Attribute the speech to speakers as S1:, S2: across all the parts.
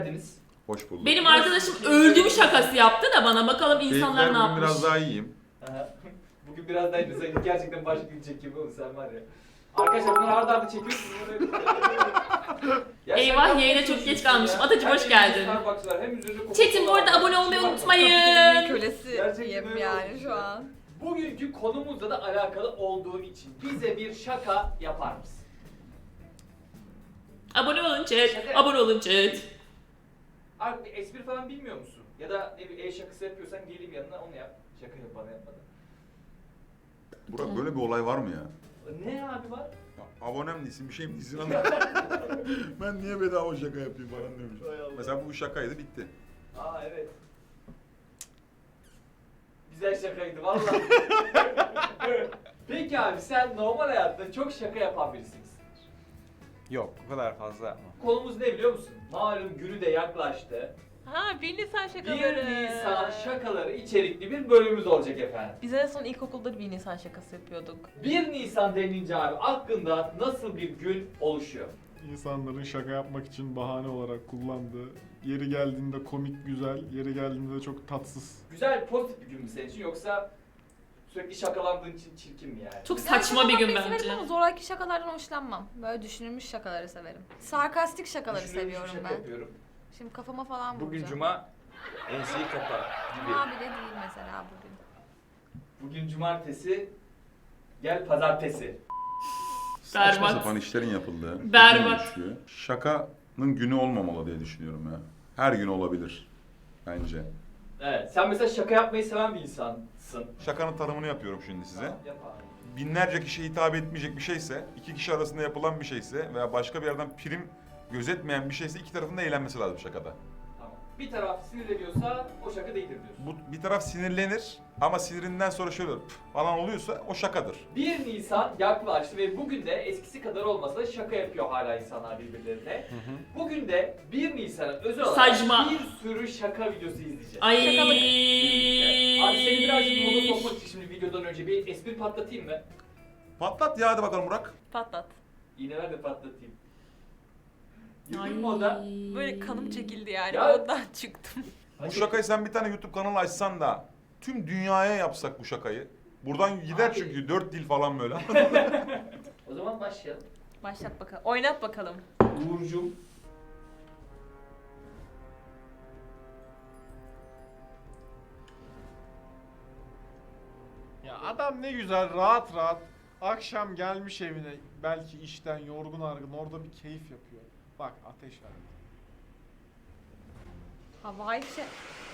S1: Hoş bulduk.
S2: Benim arkadaşım öldüğüm şakası yaptı da bana, bakalım insanlar ne
S1: Keyifler bugün
S2: yapmış.
S1: biraz daha iyiyim.
S3: Bugün biraz daha iyi. Sen gerçekten başka gün çekiyor oğlum sen var ya. Arkadaşlar bunları arda arda çekiyorsunuz.
S2: Eyvah, yayına çok geç kalmışım. Atacığım, hoş geldin. Çetin bu arada abone olmayı unutmayın.
S4: Kölesiyim yani şu an.
S3: Bugünkü konumuzla da alakalı olduğu için bize bir şaka yapar mısın?
S2: Abone olun chat. Abone olun chat.
S3: Abi bir espri falan bilmiyor musun? Ya da ne bir el şakası yapıyorsan geleyim yanına onu yap. Şaka yap bana yapmadan.
S1: Burak böyle bir olay var mı ya?
S3: Ne abi var?
S1: Ya, abonem değilsin, bir şey mi değilsin anladın? Ben niye bedava şaka yapayım falan demiş. Mesela bu şakaydı, bitti.
S3: Aa evet. Güzel şakaydı vallahi. Peki abi sen normal hayatta çok şaka yapan birisisin.
S5: Yok, bu kadar fazla yapma.
S3: Konumuz ne biliyor musun? Malum günü de yaklaştı.
S4: Ha, 1 Nisan
S3: 1
S4: şakaları.
S3: Nisan şakaları içerikli bir bölümümüz olacak efendim.
S4: Biz en son ilkokulda 1 Nisan şakası yapıyorduk.
S3: 1 Nisan denince abi aklında nasıl bir gün oluşuyor?
S6: İnsanların şaka yapmak için bahane olarak kullandığı, yeri geldiğinde komik güzel, yeri geldiğinde de çok tatsız.
S3: Güzel, pozitif bir gün mü senin için yoksa sürekli şakalandığın için çirkin mi yani?
S2: Çok saçma bir gün
S7: Severim
S2: bence.
S7: ama zoraki şakalardan hoşlanmam. Böyle düşünülmüş şakaları severim. Sarkastik şakaları
S3: Düşünülmüş bir
S7: seviyorum
S3: şaka
S7: ben.
S3: yapıyorum.
S7: Şimdi kafama falan
S5: Bugün
S7: vuracağım.
S5: cuma, enseyi kapa gibi.
S7: Cuma bile değil mesela bugün.
S3: Bugün cumartesi, gel pazartesi.
S1: Saçma
S2: Berbat.
S1: sapan işlerin yapıldığı.
S2: Berbat.
S1: gün oluşuyor. Şakanın günü olmamalı diye düşünüyorum ya. Her gün olabilir bence.
S3: Evet, sen mesela şaka yapmayı seven bir insansın.
S1: Şakanın tanımını yapıyorum şimdi size.
S3: Yap abi.
S1: Binlerce kişiye hitap etmeyecek bir şeyse, iki kişi arasında yapılan bir şeyse veya başka bir yerden prim gözetmeyen bir şeyse iki tarafın da eğlenmesi lazım şakada.
S3: Tamam. Bir taraf sinirleniyorsa o şaka değildir diyorsun.
S1: Bu bir taraf sinirlenir ama sinirinden sonra şöyle "Pf" falan oluyorsa o şakadır.
S3: 1 Nisan yaklaştı ve bugün de eskisi kadar olmasa da şaka yapıyor hala insanlar birbirlerine. Bugün de 1 Nisan'a özel olarak
S2: Saçma.
S3: bir sürü şaka videosu izleyeceğiz.
S2: Ay.
S3: Abi seni birazcık moda sokmak için şimdi videodan önce bir espri patlatayım mı?
S1: Patlat ya, hadi bakalım Burak.
S4: Patlat.
S3: İğne ver de patlatayım.
S2: Ay.
S3: Yürüdün moda.
S4: Böyle kanım çekildi yani,
S3: Ya-
S4: ondan çıktım.
S1: Bu şakayı sen bir tane YouTube kanalı açsan da tüm dünyaya yapsak bu şakayı. Buradan gider
S3: Abi.
S1: çünkü 4 dil falan böyle.
S3: O zaman başlayalım.
S4: Başlat bakalım. Oynat bakalım.
S3: Uğur'cum.
S6: Ya adam ne güzel rahat rahat akşam gelmiş evine, belki işten yorgun argın, orada bir keyif yapıyor. Bak ateş var.
S7: Havai şey.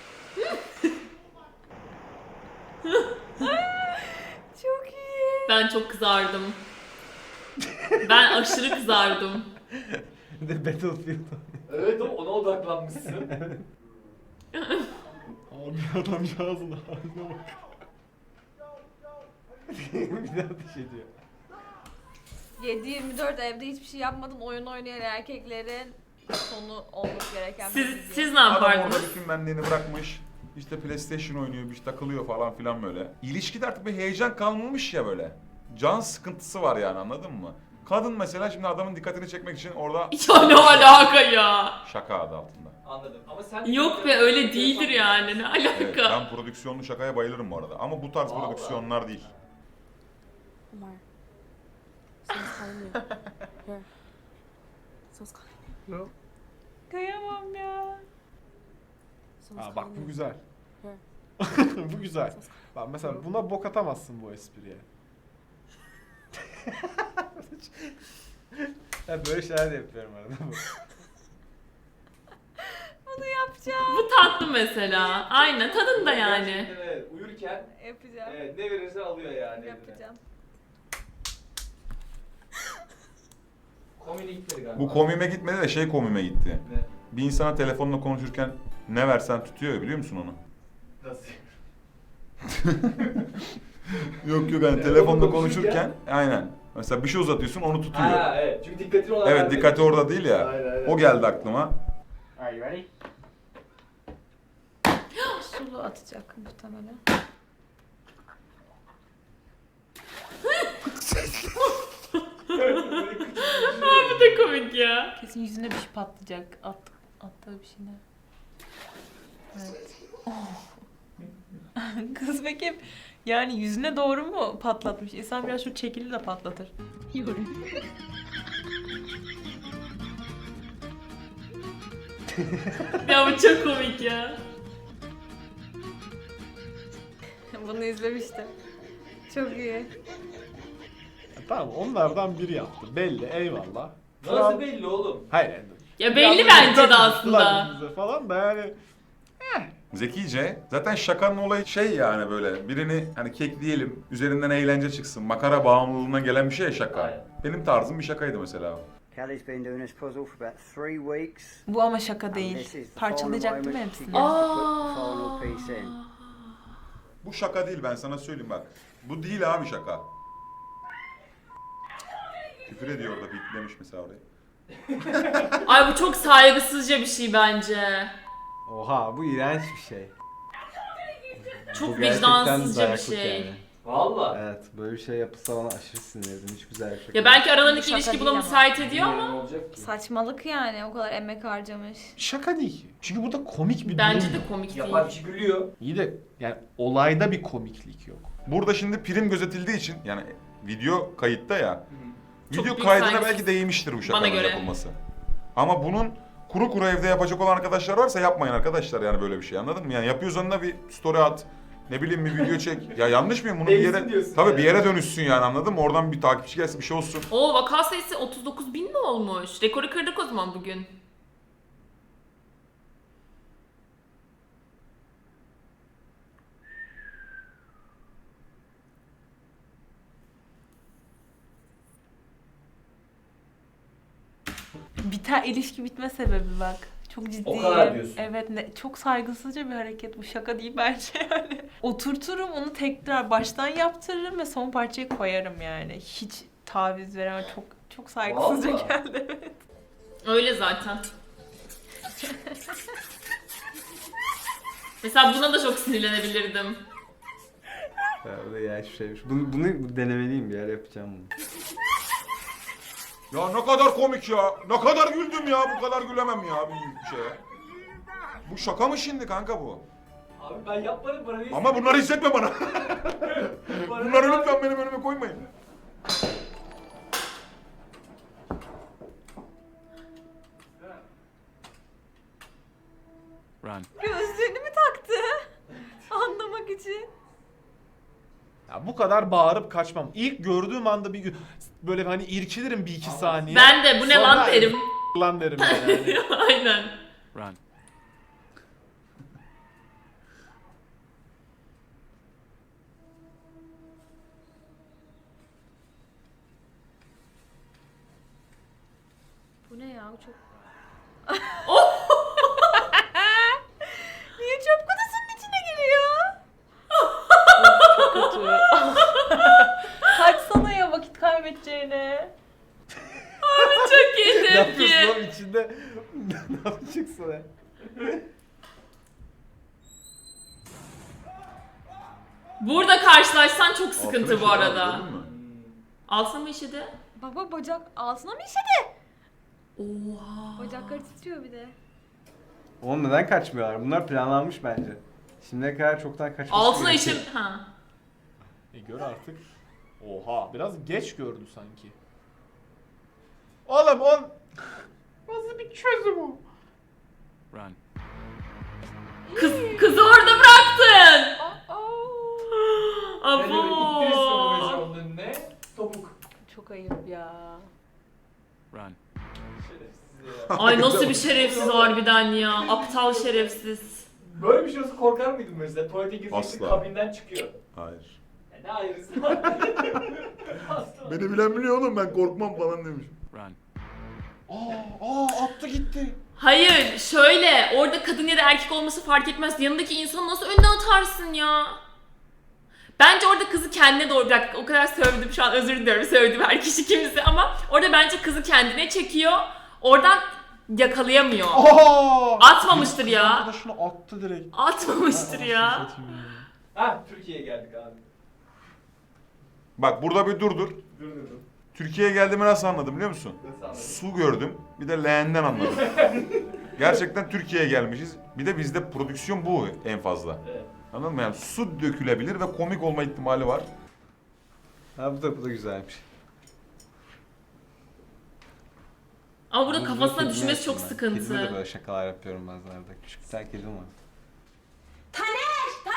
S4: Çok iyi.
S2: Ben çok kızardım. Ben aşırı kızardım.
S5: Bir de Battlefield.
S3: Evet ona odaklanmışsın.
S6: Abi adamcağızın haline bak.
S5: Bir de ateş ediyor.
S7: 7-24 evde hiçbir şey yapmadan oyun oynayan erkeklerin sonu olması gereken bir video.
S2: Siz ne
S1: Adam orada
S2: yapardınız?
S1: bütün benliğini bırakmış. İşte PlayStation oynuyor, bir şey takılıyor falan filan böyle. İlişkide artık bir heyecan kalmamış ya böyle. Can sıkıntısı var yani, anladın mı? Kadın mesela şimdi adamın dikkatini çekmek için orada
S2: Ya ne alaka ya?
S1: şaka adı altında.
S3: Anladım. Ama sen
S2: Yok be, öyle değildir yani, ne
S1: Evet,
S2: alaka?
S1: ben prodüksiyonlu şakaya bayılırım bu arada. Ama bu tarz
S3: Vallahi.
S1: prodüksiyonlar değil.
S8: Omar. Someone's calling you. Here. Someone's calling you.
S4: Kıyamam ya.
S8: Someone's
S6: Aa bak
S8: calling
S6: bu
S8: you.
S6: güzel.
S8: Here.
S6: Bu güzel.
S8: Someone's calling
S6: Bak mesela buna bok atamazsın bu espriye.
S5: Ya böyle şeyler de yapıyorum arada.
S7: Bunu yapacağım.
S2: Bu tatlı mesela. Aynen, tadında yani.
S3: Gerçekten evet. Uyurken
S7: Yapacağım.
S3: evet, ne verirsen alıyor yani. eline.
S7: Yapacağım.
S3: Komedi gitmedi galiba.
S1: Bu komime gitmedi de şey komime gitti.
S3: Ne?
S1: Bir insana telefonla konuşurken ne versen tutuyor ya, biliyor musun onu?
S3: Nasıl?
S1: Yok yok, hani telefonda konuşurken aynen. Mesela bir şey uzatıyorsun, onu tutuyor.
S3: Ha evet. Çünkü dikkatini ona
S1: Evet,
S3: vermedi.
S1: dikkati orada değil ya.
S3: Aynen, aynen.
S1: O geldi aklıma.
S5: Are you ready?
S7: Sulu atacak muhtemelen.
S2: Bu da komik ya.
S4: Kesin yüzüne bir şey patlayacak. At. Attığı bir şey ne? Evet. Kız peki yani yüzüne doğru mu patlatmış? İnsan biraz şu çekili de patlatır.
S2: Ya bu çok komik ya.
S7: Bunu izlemiştim. Çok iyi.
S6: Tamam onlardan biri yaptı. Belli eyvallah.
S3: Nasıl belli oğlum?
S6: Hayır yani.
S2: Ya belli
S6: Biraz
S2: bence de
S6: dikkat
S2: aslında.
S6: ettiler bize falan da yani.
S1: Zekice. Zaten şakanın olayı şey yani böyle birini hani kekleyelim, üzerinden eğlence çıksın, makara bağımlılığına gelen bir şey ya şaka.
S3: Aynen.
S1: Benim tarzım bir şakaydı mesela.
S9: Kelly's been doing this puzzle for about 3 weeks.
S4: Bu ama şaka
S9: and
S4: değil.
S9: this is the
S4: Parçalayacak
S9: final
S4: değil mi
S9: moment she
S4: hepsini?
S9: gets to put the final piece in.
S1: Bu şaka değil, ben sana söyleyeyim bak. Bu değil abi şaka. Küfür ediyor orada, bitlemiş mesela orayı.
S2: Ay bu çok saygısızca bir şey bence.
S5: Oha bu iğrenç bir şey.
S2: Çok
S5: Bu gerçekten
S2: vicdansızca bir
S5: dayaklık
S2: şey.
S5: yani.
S3: Valla.
S5: Evet böyle bir şey yapılsa bana aşırı sinirlendim. Hiç güzel bir şey.
S2: Ya belki aralarındaki
S7: Şaka
S2: ilişki
S7: değil
S2: buna
S7: ama.
S2: müsait ediyor
S3: Ne
S2: ama
S3: olacak ki?
S7: Saçmalık yani o kadar emek harcamış.
S6: Şaka değil ki. Çünkü burada komik bir
S2: bence
S6: durum
S2: de
S6: yok.
S2: komik değil.
S3: Yapan kişi gülüyor.
S6: İyi de yani olayda bir komiklik yok.
S1: Burada şimdi prim gözetildiği için yani video kayıtta ya.
S2: Çok
S1: Video
S2: büyük
S1: kaydına
S2: saygısız.
S1: belki değmiştir bu
S2: Bana
S1: şakanın
S2: göre.
S1: yapılması. Ama bunun kuru kuru evde yapacak olan arkadaşlar varsa yapmayın arkadaşlar yani böyle bir şey, anladın mı? Yani yapıyorsan da bir story at. Ne bileyim bir video çek. Ya yanlış mıyım? Bunu bir
S3: Değilsin
S1: yere
S3: diyorsun
S1: tabii
S3: yani.
S1: bir yere dönüşsün yani, anladın mı? Oradan bir takipçi gelsin, bir şey olsun.
S2: Oo, vaka sayısı 39.000 mi olmuş? Rekoru kırdık o zaman bugün.
S4: Biter ilişki bitme sebebi bak. Çok ciddi.
S3: O kadar diyorsun.
S4: Evet çok saygısızca bir hareket bu. Şaka değil bence yani. Oturturum onu tekrar baştan yaptırırım ve son parçayı koyarım yani. Hiç taviz veremem. Çok saygısızca
S3: Vallahi.
S4: geldi. Evet.
S2: Öyle zaten. Mesela buna da çok sinirlenebilirdim.
S5: Ya, bu da iğrenç bir şeymiş. Bunu denemeliyim, bir yer yapacağım bunu.
S1: Ya ne kadar komik ya. Ne kadar güldüm ya. Bu kadar gülemem ya bir şeye. Bu şaka mı şimdi kanka bu?
S3: Abi ben yapmadım bana ne
S1: Ama bunları hissetme bana. Bunları lütfen benim önüme koymayın.
S7: Gözlüğünü mü taktı? Anlamak için.
S6: Ya bu kadar bağırıp kaçmam. İlk gördüğüm anda bir böyle hani irkilirim bir iki saniye.
S2: Ben de bu ne
S6: Sonra
S2: lan derim.
S6: lan derim yani.
S2: Aynen.
S7: Bu ne ya? Bu çok... Niye çöp kutusunun içine giriyor?
S4: Çok kötü. Kaçsana ya vakit kaybedeceğine.
S2: Çok iyi
S5: Ne yapıyorsun
S2: tepki.
S5: oğlum içinde? Ne yapacaksın ya?
S2: Burada karşılaşsan çok sıkıntı
S1: Altına
S2: bu
S1: şey
S2: arada.
S1: var, gördün mü?
S2: Altına mı işedi?
S7: Baba bacak altına mı işedi?
S2: Oha.
S7: Bacakları titriyor bir de.
S5: Oğlum neden kaçmıyorlar? Bunlar planlanmış bence. Şimdiye kadar çoktan kaçmış.
S2: Altına işim... Ha.
S6: Gör artık. Oha biraz geç gördü sanki. Oğlum on... Nasıl bir çözüm o?
S2: Kızı orada bıraktın.
S3: Ben öyle ittirirsin onu mesela
S2: Abo.
S3: onun önüne. Topuk.
S4: Çok ayıp ya.
S3: Şerefsiz ya.
S2: Ay nasıl bir şerefsiz harbiden ya. Aptal şerefsiz.
S3: Böyle bir şey olsa korkar mıydın mesela? Tuvalete gireceksin
S1: Asla.
S3: kabinden çıkıyor.
S1: Hayır.
S3: Ya ne ayrısı? Asla.
S1: Beni bilen biliyor oğlum, ben korkmam falan demiş.
S6: Attı gitti.
S2: Hayır şöyle orada kadın ya da erkek olması fark etmez. Yanındaki insanı nasıl önüne atarsın ya? Bence orada kızı kendine doğru bırak. O kadar sövdüm şu an, özür diliyorum sövdüm her kişi kimse ama orada bence kızı kendine çekiyor. Oradan yakalayamıyor. Atmamıştır ya.
S6: Arkadaşını attı direkt.
S2: Atmamıştır ya.
S3: Ha Türkiye'ye geldik abi.
S1: Bak burada bir dur.
S3: Dur.
S1: Türkiye'ye geldiğimi nasıl anladım biliyor musun?
S3: Nasıl anladın?
S1: Su gördüm. Bir de leğenden anladım. Gerçekten Türkiye'ye gelmişiz. Bir de bizde prodüksiyon bu en fazla.
S3: Evet.
S1: Anladın mı? Yani su dökülebilir ve komik olma ihtimali var.
S5: Ha bu da güzelmiş.
S2: Ama burada
S5: Bunu
S2: kafasına
S5: kedime
S2: düşmesi çok
S5: yaptım ben. Kedime de
S2: sıkıntı.
S5: böyle şakalar yapıyorum bazenlerde. Küçük bir tane kedim var.
S7: Taner koş.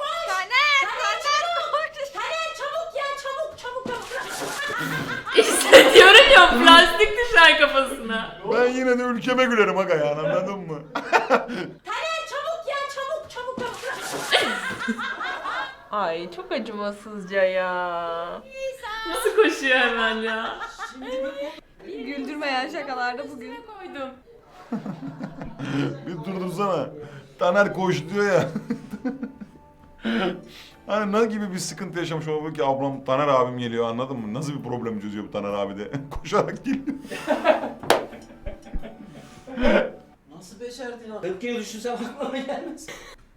S7: Taner çabuk ya çabuk.
S2: İşte diyorum ya plastik düşer kafasına.
S1: Ben yine de ülkeme gülerim aga yani anladın mı?
S7: Taner çabuk ya çabuk.
S4: Ay çok acımasızca ya.
S2: Nasıl koşuyor hemen ya?
S7: Güldürmeyen şakalarda bugün.
S2: Koydum.
S1: Bir durdursana. Taner koş diyor ya. Hani ne gibi bir sıkıntı yaşamış olabilir ki ablam Taner abim geliyor anladın mı? Nasıl bir problem çözüyor bu Taner abi de? Koşarak geliyor.
S10: Nasıl becerdin ya? 40 kere düşünsem aklıma gelmez.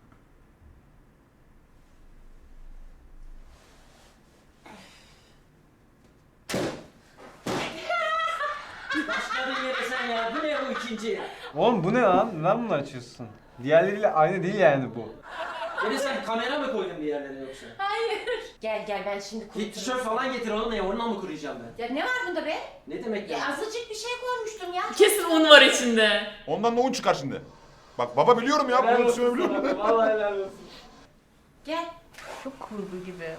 S10: Başladın yere sen ya. Bu ne bu ikinci?
S5: Oğlum bu ne lan? Neden bunu açıyorsun? Diğerleriyle aynı değil yani bu.
S10: Yine sen kamera mı koydun bir yerlere yoksa?
S11: Gel ben şimdi
S10: Bir tişört falan getir oğlum ya. Onunla mı kuruyacağım ben?
S11: Ya ne var bunda be?
S10: Ne demek
S11: Ya
S10: ya?
S11: azıcık bir şey koymuştum ya.
S2: Kesin un var içinde.
S1: Ondan da un çıkar şimdi. Bak baba biliyorum ya
S3: Helal
S1: prodüksiyonu
S3: olsun
S1: biliyorum.
S3: sana, vallahi helal olsun.
S11: Gel.
S4: Çok kurgu gibi.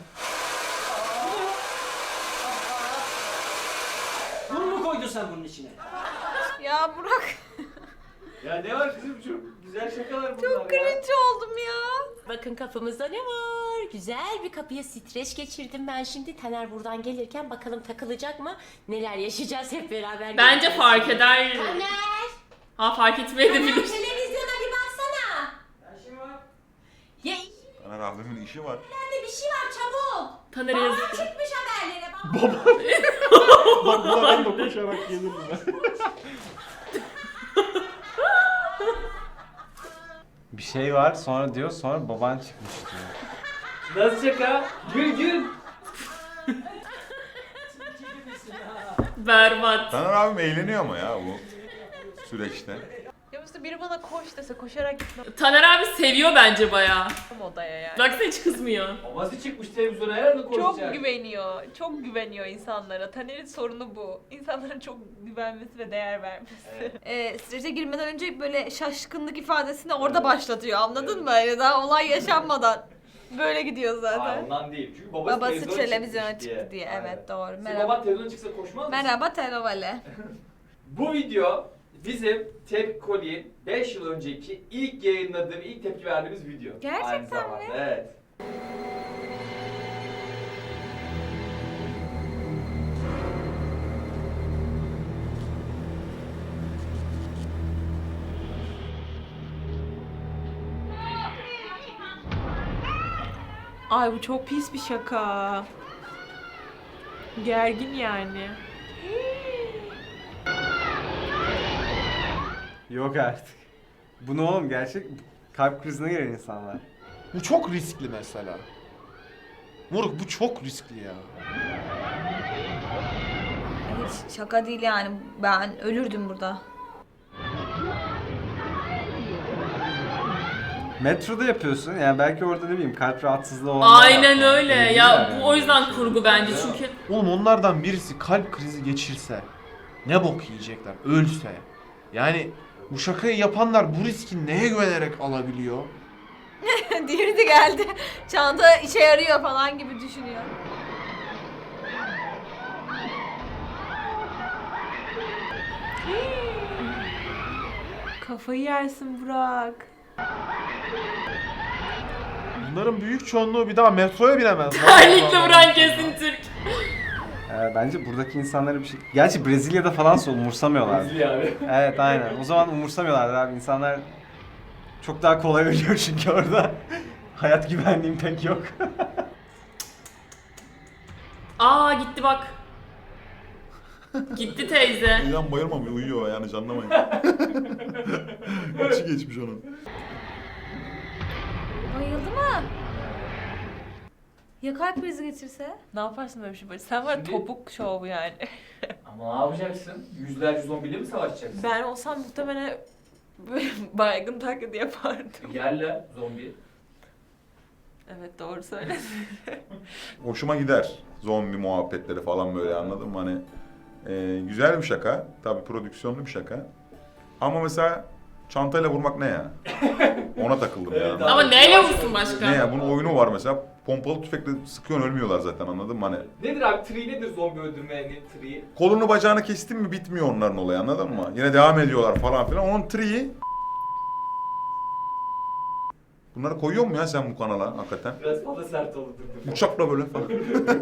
S10: Bunu mu koydun sen bunun içine?
S7: Ya Burak
S3: Ya ne var kızım çok güzel şakalar bunlar
S7: çok
S3: ya.
S7: cringe oldum ya.
S11: Bakın kapımızda ne var? Güzel bir kapıya streç geçirdim ben şimdi. Taner buradan gelirken bakalım takılacak mı? Neler yaşayacağız hep beraber.
S2: Bence
S11: göreceğiz.
S2: fark eder.
S11: Taner!
S2: Ha fark etmeye de
S11: Taner
S2: bilir.
S11: televizyona bir baksana. Ya
S1: Taner abimin işi var.
S11: nerede bir şey var çabuk.
S2: Taner
S11: Baba
S2: yazık.
S11: çıkmış haberlere bak.
S6: Bak buna ben de koşarak gelirim ben.
S5: Bir şey var sonra diyor sonra baban çıkmış diyor.
S3: Nasıl şaka? Gül.
S2: Berbat.
S1: Taner abim eğleniyor ama ya bu süreçte.
S4: Ya mesela biri bana koş dese koşarak gitmem
S2: Taner abi seviyor bence bayağı.
S4: odaya yani.
S2: Baksana hiç kızmıyor.
S3: Babası çıkmış televizyona herhalde
S4: Çok
S3: konuşacak.
S4: güveniyor. Çok güveniyor insanlara. Taner'in sorunu bu. İnsanlara çok güvenmesi ve değer vermesi.
S7: Strese girmeden önce böyle şaşkınlık ifadesini orada başlatıyor anladın mı? Yani daha olay yaşanmadan. Böyle gidiyor
S3: Hayır
S7: zaten.
S3: ondan değil. Çünkü babası,
S7: Babası televizyona
S3: çıkmış
S7: çıktı diye.
S3: Aynen.
S7: Evet doğru.
S3: Senin
S7: Merhaba.
S3: baban televizyona çıksa koşmaz mısın?
S7: Merhaba Telovale.
S3: Bu video bizim Tepki Koli'nin 5 yıl önceki ilk yayınladığım, ilk tepki verdiğimiz video.
S7: Gerçekten
S3: Aynı zamanda,
S7: mi?
S3: Evet.
S4: Ay bu çok pis bir şaka. Gergin yani.
S5: Yok artık. Bu ne oğlum gerçek kalp krizine giren insanlar.
S6: Bu çok riskli mesela. Moruk bu çok riskli ya.
S7: Hiç şaka değil yani. Ben ölürdüm burada.
S5: Metroda yapıyorsun yani belki orada ne bileyim kalp rahatsızlığı olanlar
S2: Aynen
S5: yapar.
S2: öyle.
S5: Öyle
S2: Ya
S5: değiller
S2: bu
S5: yani.
S2: o yüzden kurgu bence çünkü.
S6: Oğlum onlardan birisi kalp krizi geçirse ne bok yiyecekler ölse. Yani bu şakayı yapanlar bu riski neye güvenerek alabiliyor?
S7: Diğeri de geldi. Çanta işe yarıyor falan gibi düşünüyor.
S4: Kafayı yersin Burak.
S6: Bunların büyük çoğunluğu bir daha metroya binemez.
S2: Terlikle vuran kesin Türk.
S5: Bence buradaki insanlara bir şey... Gerçi Brezilya'da falan umursamıyorlar.
S3: Rezil abi.
S5: Evet aynen. O zaman umursamıyorlardır abi. İnsanlar çok daha kolay ölüyor çünkü orada. Hayat güvenliğim pek yok.
S2: Aa gitti bak. Gitti teyze.
S1: Uyuyan bayılmamıyor, uyuyor yani canlamayın. İçi geçmiş onun.
S7: Bayıldı mı? Ya kalp krizi geçirse?
S4: Ne yaparsın böyle bir şey böyle? Sen var ya
S3: Şimdi-
S4: topuk şovu yani.
S3: Ama ne yapacaksın? Yüzlerce zombiyle mi savaşacaksın?
S4: Ben olsam muhtemelen Böyle baygın taklidi yapardım.
S3: Yerle zombi.
S4: Evet doğru söyledin.
S1: Hoşuma gider. Zombi muhabbetleri falan böyle, anladın mı? Hani güzel bir şaka. Tabii prodüksiyonlu bir şaka. Ama mesela çantayla vurmak ne ya? Ona takıldım
S3: Evet
S1: yani.
S3: abi.
S2: Ama neyle vursun başka?
S1: Ne ya? Bunun oyunu var mesela. Pompalı tüfekle sıkıyorsun, ölmüyorlar zaten, anladın mı? Hani
S3: Nedir abi? Tree nedir zombi öldürmenin tree?
S1: kolunu bacağını kestin mi bitmiyor onların olayı, anladın mı? Yine devam ediyorlar falan filan. Onun tree'yi... Bunları koyuyor mu ya sen bu kanala hakikaten?
S3: Biraz fazla sert oldu.
S1: Uçakla böyle falan.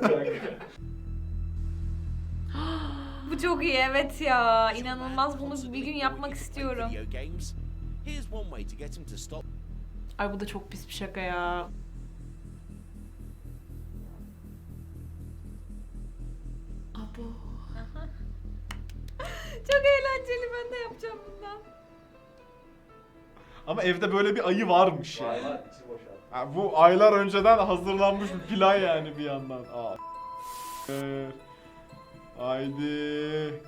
S7: Bu çok iyi evet ya. İnanılmaz, bunu bir gün yapmak istiyorum.
S4: Ay bu da çok pis bir şaka ya.
S2: Abo.
S7: Çok eğlenceli, ben de yapacağım bundan.
S6: Ama evde böyle bir ayı varmış
S3: Var
S6: yani.
S3: var içi boş abi.
S6: Ha, bu aylar önceden hazırlanmış bir plan yani bir yandan. Aa. Haydi.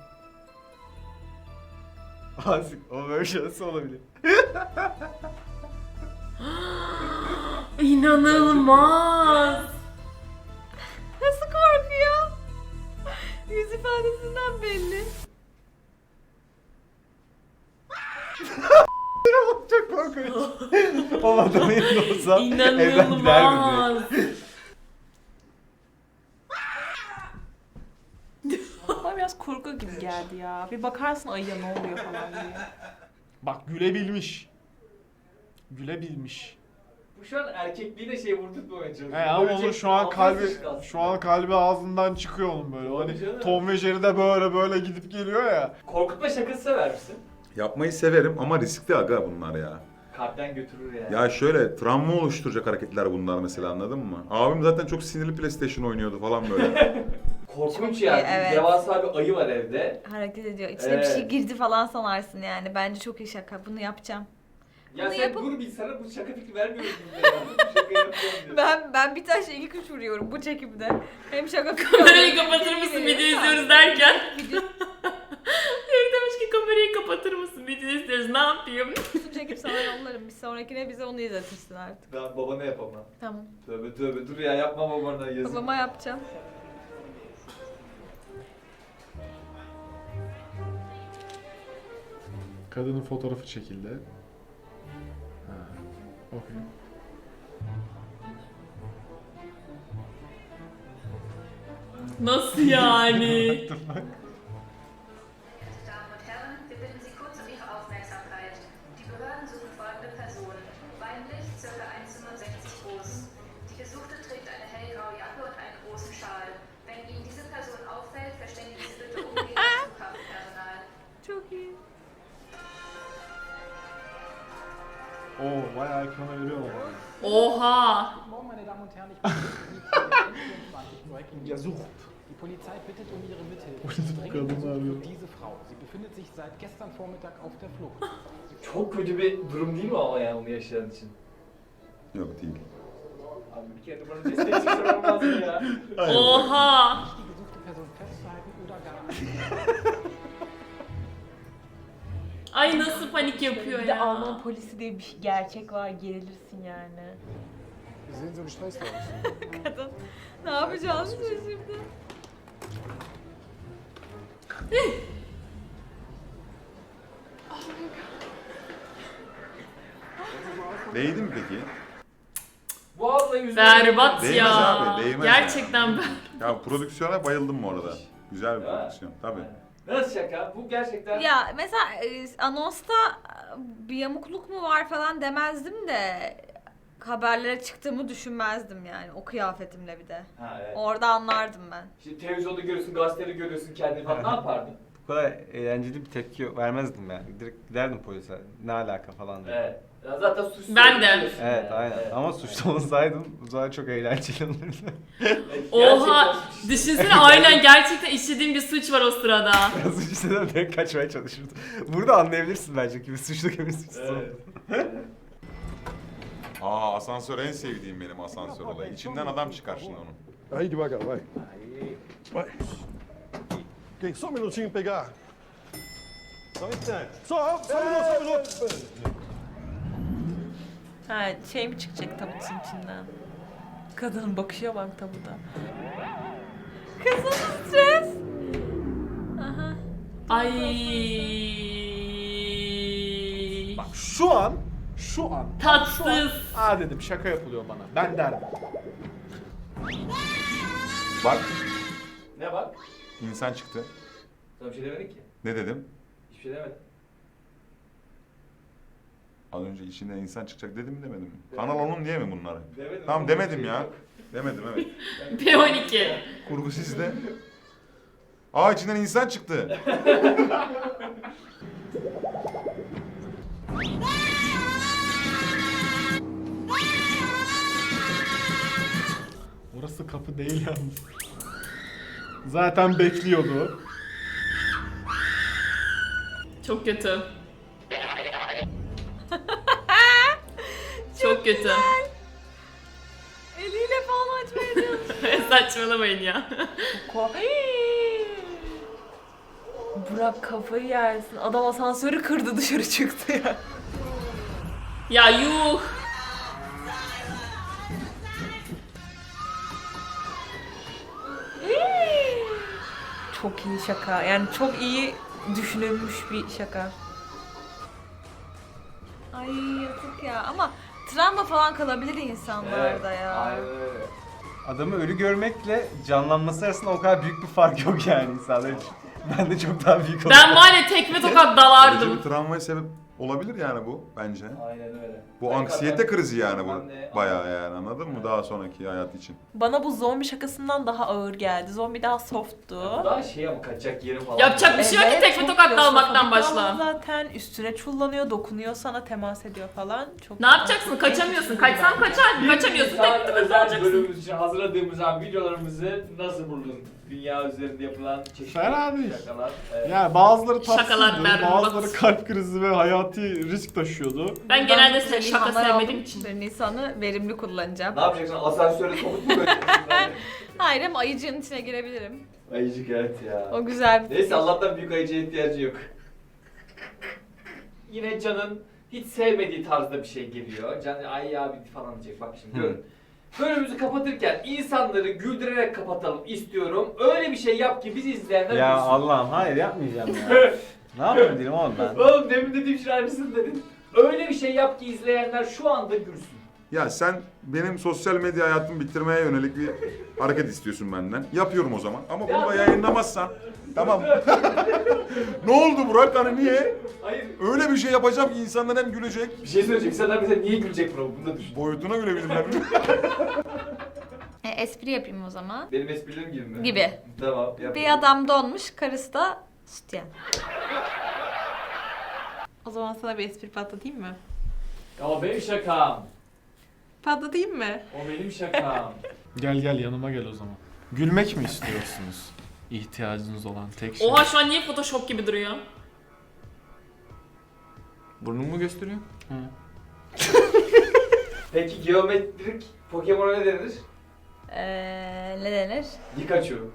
S6: Azıcık o versiyonu olabilir.
S2: İnanılmaz.
S7: Nasıl korkuyor? Yüz ifadesinden belli.
S6: Çok korkunç. O adamın yerinde olsam evden giderdim.
S2: İnanılmaz.
S4: Bana biraz korku gibi geldi ya. Bir bakarsın ayıya ne oluyor falan diye.
S6: Bak gülebilmiş. Gülebilmiş.
S3: Bu şu an erkekliğine şey vurdurtmamaya çalışıyor.
S6: Ama
S3: Ölecek,
S6: onun şu an
S3: altına
S6: kalbi
S3: sıçtı aslında.
S6: şu an kalbi ağzından çıkıyor onun böyle.
S3: Tabii
S6: Hani
S3: canım.
S6: Tom ve Jerry de böyle gidip geliyor ya.
S3: Korkutma şakası sever misin?
S1: Yapmayı severim ama riskli aga bunlar ya.
S3: Kalpten götürür yani.
S1: Ya şöyle travma oluşturacak hareketler bunlar mesela, anladın mı? Abim zaten çok sinirli PlayStation oynuyordu falan böyle.
S3: Korkunç
S7: Çok
S3: yani.
S7: iyi, evet.
S3: Devasa bir ayı var evde.
S7: Hareket ediyor. İçine bir şey girdi falan sanarsın yani. Bence çok iyi şaka. Bunu yapacağım.
S3: Ya
S7: Bunu
S3: sen
S7: yapıp-
S3: dur bir, sana bu şaka fikri vermiyoruz biz de ya. Bu şaka yapıyorum diyor.
S7: Ben bir taşla iki kuş vuruyorum bu çekimde. Hem şaka
S2: Kamerayı kapatır mısın video izliyoruz derken.
S7: Video
S2: Biri demiş ki kamerayı kapatır mısın video izliyoruz, ne yapayım?
S7: çekip sana yollarım. Bir sonrakine bize onu izletirsin artık.
S3: Ben babana yapamam.
S7: Tamam.
S3: Tövbe dur ya, yapma babana yazık.
S7: Babama yapacağım.
S6: Kadının fotoğrafı çekildi. Ha. Okey.
S2: Nasıl yani?
S12: Damen und Herren, wir bitten Sie kurz um Ihre Aufmerksamkeit. Die Behörden suchen folgende Person. Weiblich, ca. 1,65 groß. Die Gesuchte trägt eine hellgraue Jacke und einen großen Schal. Wenn Ihnen diese Person auffällt, verständigen Sie bitte umgehend das Flughafenpersonal.
S7: Çok iyi.
S6: Oo bayağı ekrana veriyor ama.
S2: Oha.
S13: Meine Damen und Herren, ich bin Breaking
S6: Gesucht.
S13: Die Polizei bittet um Ihre Mithilfe.
S6: Polizei
S13: Dringend
S6: kadın
S13: gesucht
S6: arıyor.
S13: wird diese Frau. Sie befindet sich seit gestern Vormittag auf der Flucht.
S3: Çok kötü bir durum değil mi ama yani onu yaşayan için?
S1: Yok değil.
S3: Abi bir kere bana destek çıksa olmaz mı ya?
S2: Oha.
S13: Die gesuchte Person festzuhalten oder gar
S2: Ay nasıl panik yapıyor
S4: Bir de
S2: ya.
S4: Alman polisi diye bir gerçek var, gerilirsin yani.
S13: Sie sehen so gestresst aus.
S7: Kadın. Ne yapacağız biz şimdi?
S1: Değdi mi peki?
S3: Bu abla yüzüne...
S2: Berbat
S1: Değmez
S2: ya.
S1: abi, değmez
S2: Gerçekten ben.
S1: Ya prodüksiyona bayıldım bu arada. Güzel bir
S3: Ya.
S1: prodüksiyon tabii.
S3: Nasıl şaka? Bu gerçekten...
S7: Ya mesela anonsta bir yamukluk mu var falan demezdim de haberlere çıktığımı düşünmezdim yani o kıyafetimle bir de.
S3: Ha evet.
S7: Orada anlardım ben.
S3: Şimdi televizyonda görüyorsun, gazetede görüyorsun kendini falan. Ne yapardın?
S5: Bu kadar eğlenceli bir tepki vermezdim yani. Direkt giderdim polise. Ne alaka falan diye.
S3: Evet. Ya zaten suçlu.
S2: Ben de.
S3: biliyorsun
S5: Evet
S3: yani.
S5: aynen.
S3: Evet.
S5: Ama suçlu olsaydım o zaman çok eğlenceli olurdu.
S3: Evet,
S2: Oha.
S3: gerçekten suçlu.
S2: Düşünsene aynen gerçekten işlediğim bir suç var o sırada.
S5: Suç isteden direkt kaçmaya çalışırdı. Burada anlayabilirsin bence kimi suçlu kimi suçsuz.
S3: Evet.
S1: Aa, asansör en sevdiğim benim asansör olayı. İçinden adam çıkar şimdi onun.
S14: Aí devagar, vai. Vai. Ok, só um minutinho pegar.
S4: Ha şey mi çıkacak tabutun içinden? Kadının bakışa bak tabuta.
S7: Kızım stres. Aha.
S2: Ay.
S6: Bak şu an
S2: Tatsız.
S6: aa dedim şaka yapılıyor bana. Ben derdim.
S1: Bak
S3: Ne bak?
S1: insan çıktı.
S3: Sana bir şey demedik ki.
S1: Ne dedim?
S3: Hiçbir şey demedim.
S1: Az önce içinden insan çıkacak dedim mi demedim mi? Kanal onun diye mi bunları?
S3: Demedim.
S1: Tamam demedim ya. Demedim evet.
S2: P12.
S1: Kurgu sizde. Aa içinden insan çıktı.
S6: Orası kapı değil yalnız. Zaten bekliyordu.
S2: Çok kötü. Çok kötü.
S7: Eliyle falan açmaya çalışıyor.
S2: Saçmalamayın ya.
S4: Burak kafayı yersin. Adam asansörü kırdı dışarı çıktı ya.
S2: Ya yuh.
S4: Çok iyi şaka. Yani çok iyi düşünülmüş bir şaka.
S7: Ay yazık ya ama travma falan kalabilir insanlarda ya.
S3: Aynen öyle.
S5: Adamı ölü görmekle canlanması arasında o kadar büyük bir fark yok yani insanlar için. Ben de çok daha büyük
S2: Ben var ya tekme tokat
S1: Böylece
S2: dalardım.
S1: bir travmaya sebep olabilir yani bu bence.
S3: Aynen öyle.
S1: Bu anksiyete krizi yani bu.
S3: Ben de-
S1: Bayağı yani anladın mı? Daha sonraki hayat için.
S4: Bana bu zombi şakasından daha ağır geldi. Zombi daha softtu.
S3: Daha şey ama kaçacak yerim falan.
S2: Yapacak bir şey yok ki
S4: Evet,
S2: tekme
S4: çok
S2: tokat dalmaktan
S4: klostrofobik
S2: başla.
S4: ama zaten üstüne çullanıyor, dokunuyor sana, temas ediyor falan. Çok
S2: Ne yapacaksın? Kaçamıyorsun. Kaçsan kaçar. Kaçamıyorsun.
S3: Saat
S2: Tekme tokat
S3: özel
S2: dalacaksın.
S3: bölümümüz için hazırladığımız an videolarımızı nasıl buldun? Dünya üzerinde yapılan çeşitli
S6: Fena değil.
S3: şakalar. Evet.
S6: Yani bazıları
S2: Şakalar
S6: tatsızdı,
S2: berbat.
S6: bazıları kalp krizi ve hayati risk taşıyordu.
S2: Ben genelde
S7: Bundan
S2: şaka
S7: ilhamlar
S2: sevmediğim
S7: aldım.
S2: için.
S7: Ben Nisan'ı verimli kullanacağım.
S3: Ne yapacaksın? Asansöre sokup mu koyacaksın?
S7: Hayır ama ayıcığın içine girebilirim.
S3: Ayıcık evet ya.
S7: O güzel bir
S3: Neyse
S7: fikir.
S3: Allah'tan büyük ayıcıya ihtiyacı yok. Yine Can'ın hiç sevmediği tarzda bir şey geliyor. Can ay ya bitti falan diyecek. Bak şimdi görün. Bölümümüzü kapatırken insanları güldürerek kapatalım istiyorum. Öyle bir şey yap ki biz izleyenler
S5: Ya
S3: gülsün.
S5: Allah'ım hayır yapmayacağım ya. Ne yapayım dedim oğlum ben.
S3: Oğlum demin dediğim şey aynısını dedin. Öyle bir şey yap ki izleyenler şu anda gülsün.
S1: Ya sen benim sosyal medya hayatımı bitirmeye yönelik bir hareket istiyorsun benden. Yapıyorum o zaman. Ama burada yayınlamazsan tamam. Ne oldu Burak? Hani niye?
S3: Hayır.
S1: Öyle bir şey yapacağım ki insanlar hem gülecek.
S3: Bir şey söyleyecek. İnsanlar bize niye gülecek bro? Bunu da düşün.
S1: Boyutuna gülebilirler.
S7: Espri yapayım o zaman.
S3: Benim esprilerim gibi mi?
S7: Gibi.
S3: Tamam. Yap.
S7: Bir adam donmuş, karısı da sütyen.
S4: O zaman sana bir espri patlatayım mı?
S3: O benim şakam.
S4: Patlatayım mı?
S3: O benim şakam.
S6: Gel yanıma gel o zaman. Gülmek mi istiyorsunuz? İhtiyacınız olan tek şey.
S2: Oha şu an niye Photoshop gibi duruyor?
S14: Burnumu gösteriyor.
S6: Hı.
S3: Peki geometrik Pokemon'a ne denir?
S7: Ne denir?
S3: Pikachu.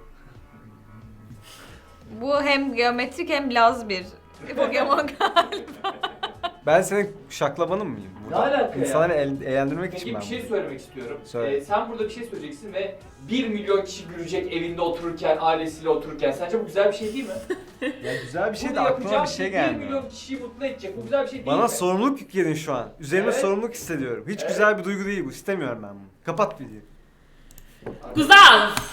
S7: Bu hem geometrik hem laz bir Pokemon galiba.
S5: Ben senin şaklabanın mıyım?
S3: Ne alaka ya?
S5: İnsanları eğlendirmek için
S3: Peki
S5: ben
S3: bir şey
S5: bunu.
S3: söylemek istiyorum.
S5: Söyle.
S3: Sen burada bir şey söyleyeceksin ve 1 milyon kişi gülecek evinde otururken, ailesiyle otururken. Sence bu güzel bir şey değil mi?
S5: Ya güzel bir şey de
S3: Bunu
S5: aklıma bir
S3: yapacağım
S5: şey
S3: ki
S5: gelmiyor.
S3: 1 milyon kişiyi mutlu edecek. Bu güzel bir şey değil
S5: Bana
S3: mi?
S5: sorumluluk yükledin şu an. Üzerime
S3: Evet.
S5: sorumluluk hissediyorum. Hiç
S3: Evet.
S5: güzel bir duygu değil bu. İstemiyorum ben bunu. Kapat videoyu.
S2: Güzel.